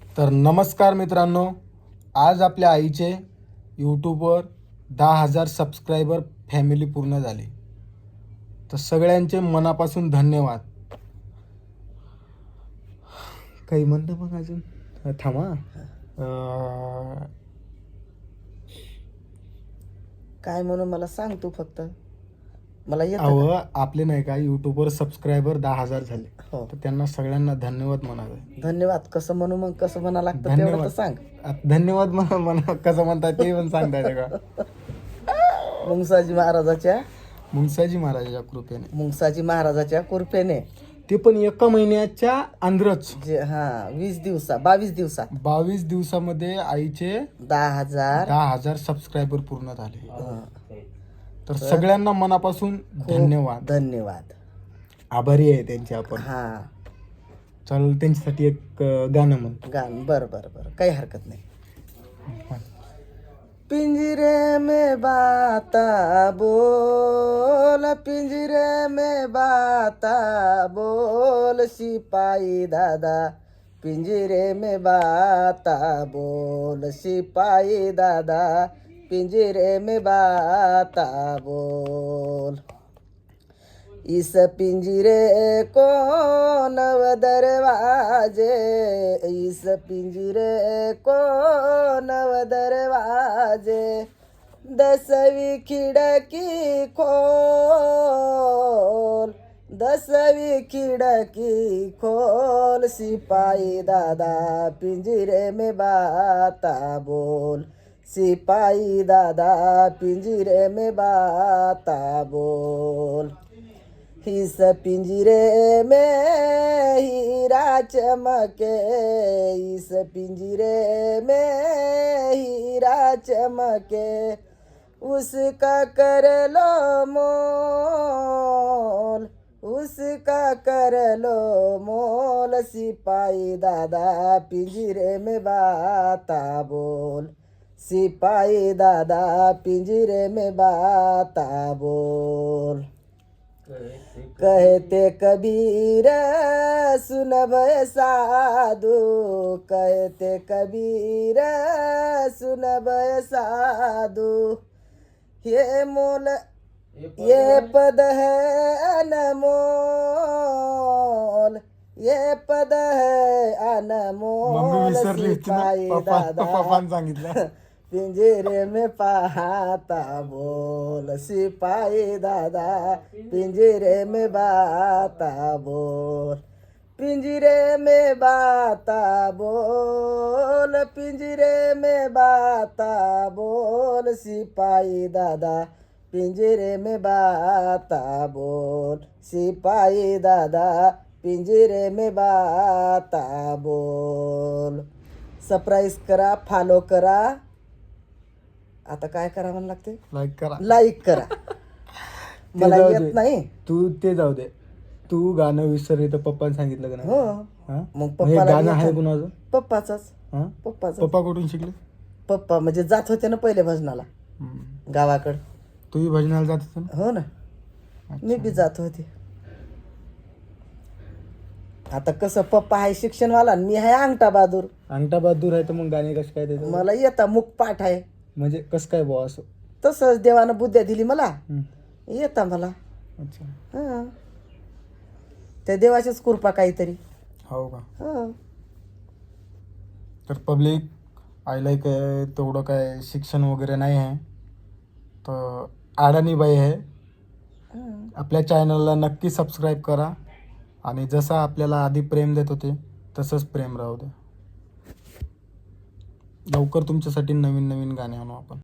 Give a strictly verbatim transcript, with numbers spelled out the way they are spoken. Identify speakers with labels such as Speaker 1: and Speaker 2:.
Speaker 1: तर नमस्कार मित्रांनो, आज आपल्या आईचे यूट्यूबवर दहा हजार सबस्क्रायबर फॅमिली पूर्ण झाली. तर सगळ्यांचे मनापासून धन्यवाद. काही म्हणतं मग अजून अ, थांबा अ,
Speaker 2: काय म्हणून मला सांग तू फक्त. मला येतं
Speaker 1: अहो
Speaker 2: का?
Speaker 1: आपले नाही का यूट्यूबवर सबस्क्रायबर दहा हजार झाले.
Speaker 2: हो,
Speaker 1: तर त्यांना सगळ्यांना धन्यवाद म्हणावे.
Speaker 2: धन्यवाद. कसं म्हणू मग, कसं म्हणा लागतं तेवढं तर
Speaker 1: धन्यवाद.
Speaker 2: सांग.
Speaker 1: आ, धन्यवाद म्हणा म्हणा कसं म्हणतात ते पण सांगता येतं का?
Speaker 2: मुंगसाजी महाराजाच्या
Speaker 1: मुंगसाजी महाराजाच्या कृपेने,
Speaker 2: मुंगसाजी महाराजाच्या कृपेने
Speaker 1: ते पण एका महिन्याच्या अंदरच
Speaker 2: जे हा वीस दिवसा बावीस दिवसात
Speaker 1: बावीस दिवसामध्ये आईचे
Speaker 2: दहा हजार
Speaker 1: दहा हजार सबस्क्रायबर पूर्ण झाले.
Speaker 2: हा,
Speaker 1: तर सगळ्यांना मनापासून
Speaker 2: खूप
Speaker 1: धन्यवाद.
Speaker 2: धन्यवाद.
Speaker 1: आभारी आहे त्यांचे आपण.
Speaker 2: हा,
Speaker 1: चल त्यांच्यासाठी एक अ, गाणं म्हण.
Speaker 2: गान बर बर बर काही हरकत नाही. पिंजरे में बाता बोल, पिंजरे में बाता बोल, सिपाही दादा पिंजरे में बाता बोल, सिपाही दादा पिंजरे में बाता बोल. इस पिंजरे को नव दरवाजे, इस पिंजरे को नव दरवाजे, दसवीं खिड़की खोल, दसवीं खिड़की खोल, सिपाही दादा पिंजरे में बाता बोल, सिपाही दादा पिंजरे में बाता बोल. इस पिंजरे में हीरा चमके, इस पिंजरे में हीरा चमके, उसका कर लो मोल, उसका कर लो मोल, सिपाही दादा पिंजरे में बाता बोल, सिपाही दादा पिंजरे में बाता बोल. कहते कबीर सुन भय साधु, कहते कबीर सुन भय साधु, ये मोल ये पद है अनमोल, ये पद है
Speaker 1: मम्मी
Speaker 2: अनमोल,
Speaker 1: विसरली होती ना,
Speaker 2: सिपाही
Speaker 1: पप्पा
Speaker 2: दादा
Speaker 1: पप्पानं सांगितलं.
Speaker 2: पिंजरे में पाता बोल, सिपाही दादा पिंजरे में बाता बोल, पिंजरे में बाता बोल, पिंजरे में बाता बोल, सिपाही दादा पिंजरे में बाता बोल, सिपाही दादा पिंजरे में बाता बोल. सरप्राईज करा, फॉलो करा. आता काय करा म्हणून लागते?
Speaker 1: लाईक करा.
Speaker 2: लाईक करा.
Speaker 1: ते
Speaker 2: मला
Speaker 1: जाऊ
Speaker 2: येत
Speaker 1: दे.
Speaker 2: नाही.
Speaker 1: तू ते जाऊ दे. तू गाणं विसरली तर पप्पाने सांगितलं का नाही?
Speaker 2: हो,
Speaker 1: हा?
Speaker 2: मग
Speaker 1: हे
Speaker 2: पप्पाला
Speaker 1: गाणं आहे
Speaker 2: येतं.
Speaker 1: कुणाचं?
Speaker 2: पप्पाचाच
Speaker 1: हा?
Speaker 2: पप्पाचा
Speaker 1: पप्पा कुठून शिकले?
Speaker 2: पप्पा म्हणजे जात होते ना पहिले भजनाला
Speaker 1: हम्म.
Speaker 2: गावाकडं.
Speaker 1: तूही भजनाला जात होता ना?
Speaker 2: हो ना, मी बी जात होते. आता कसं पप्पा आहे शिक्षणवाला आणि मी आहे अंगठा बहादूर.
Speaker 1: अंगठा बहादूर आहे तर मग गाणे कसं काय त्याचं?
Speaker 2: मला येता मुख पाठ आहे.
Speaker 1: म्हणजे कसं काय बुवा असं?
Speaker 2: तसंच देवानं बुद्ध्या दिली मला,
Speaker 1: हम्म.
Speaker 2: येता मला.
Speaker 1: अच्छा.
Speaker 2: हा, त्या देवाचीच कृपा काहीतरी.
Speaker 1: हो का?
Speaker 2: हा,
Speaker 1: तर पब्लिक आईला काय तेवढं काय शिक्षण वगैरे नाही आहे, तर अडाणी बाई आहे.
Speaker 2: हा.
Speaker 1: आपल्या चॅनलला नक्की सबस्क्राईब करा आणि जसं आपल्याला आधी प्रेम देत होते तसंच प्रेम राहू द्या. लवकर तुमच्यासाठी नवीन नवीन गाणे आणू आपण.